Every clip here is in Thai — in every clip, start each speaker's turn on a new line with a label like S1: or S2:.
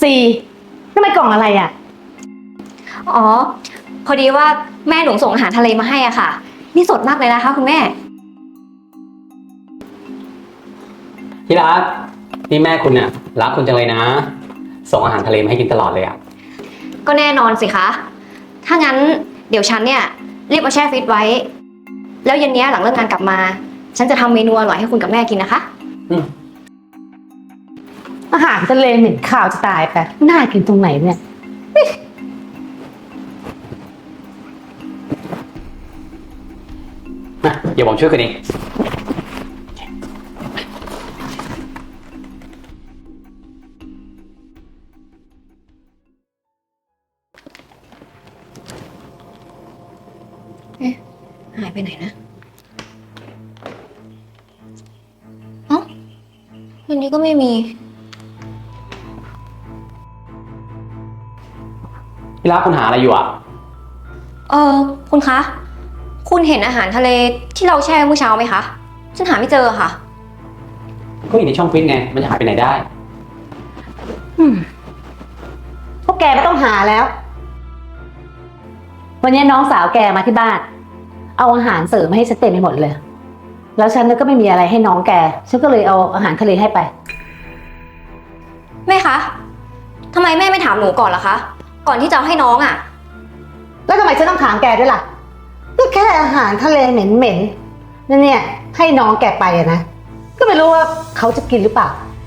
S1: ซีนั่นมันกล่องอะไรอ่ะ
S2: อ๋อพอดีว่าแม่หนูส่งอาหารทะเลมาให้อ่ะค่ะนี่สดมากเลยนะคะคุณแม่
S3: ที่รักนี่แม่คุณเนี่ยรักคุณจังเลยนะส่งอาหารทะเลมาให้กินตลอดเลยอ่ะ
S2: ก็แน่นอนสิคะถ้างั้นเดี๋ยวฉันเนี่ยรีบเอาแช่ฟรีซไว้แล้วเย็นนี้หลังเลิกงานกลับมาฉันจะทำเมนูอร่อยให้คุณกับแม่กินนะคะ
S1: อาหารทะเลเหม็นข่าวจะตายไปน่ากินตรงไหนเนี่ย
S3: นะเดี๋ยวผมช่วยคุณเอง
S2: หายไปไหนนะเอ้าวันนี้ก็ไม่มี
S3: ที่รักคุณหาอะไรอยู่อ่ะ
S2: คุณคะคุณเห็นอาหารทะเลที่เราแช่เมื่อเช้าไหมคะฉันหาไม่เจอค่ะ
S3: ก็อยู่ในช่องฟรีซไงมันจะหายไปไหนได้
S1: พวกแกไม่ต้องหาแล้ววันนี้น้องสาวแกมาที่บ้านเอาอาหารเสริมมาให้ฉันเต็มไปหมดเลยแล้วฉันก็ไม่มีอะไรให้น้องแกฉันก็เลยเอาอาหารทะเลให้ไป
S2: แม่คะทำไมแม่ไม่ถามหนูก่อนล่ะคะก่อนที่จะเอาให้น้องอ่ะ
S1: แล้วทำไมฉันต้องถามแกด้วยล่ะก็แค่อาหารทะเลเหม็นๆนั่นเนี่ยให้น้องแกไปอะนะก็ไม่รู้ว่าเขาจะกินหรือเปล่า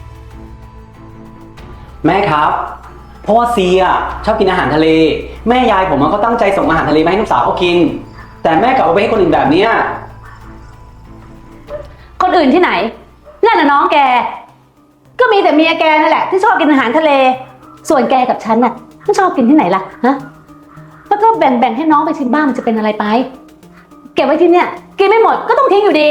S3: แม่ครับเพราะว่าซีอ่ะชอบกินอาหารทะเลแม่ยายผมก็ตั้งใจส่งอาหารทะเลมาให้ลูกสาวเขากินแต่แม่กลับเอาไปให้คนอื่นแบบเนี้ย
S1: คนอื่นที่ไหนนั่นน่ะน้องแกก็มีแต่เมียแกนั่นแหละที่ชอบกินอาหารทะเลส่วนแกกับฉันน่ะไม่ชอบกินที่ไหนล่ะฮะแล้วก็แบ่งให้น้องไปชิมบ้างมันจะเป็นอะไรไปเก็บไว้ที่เนี่ยกินไม่หมดก็ต้องทิ้งอยู่ดี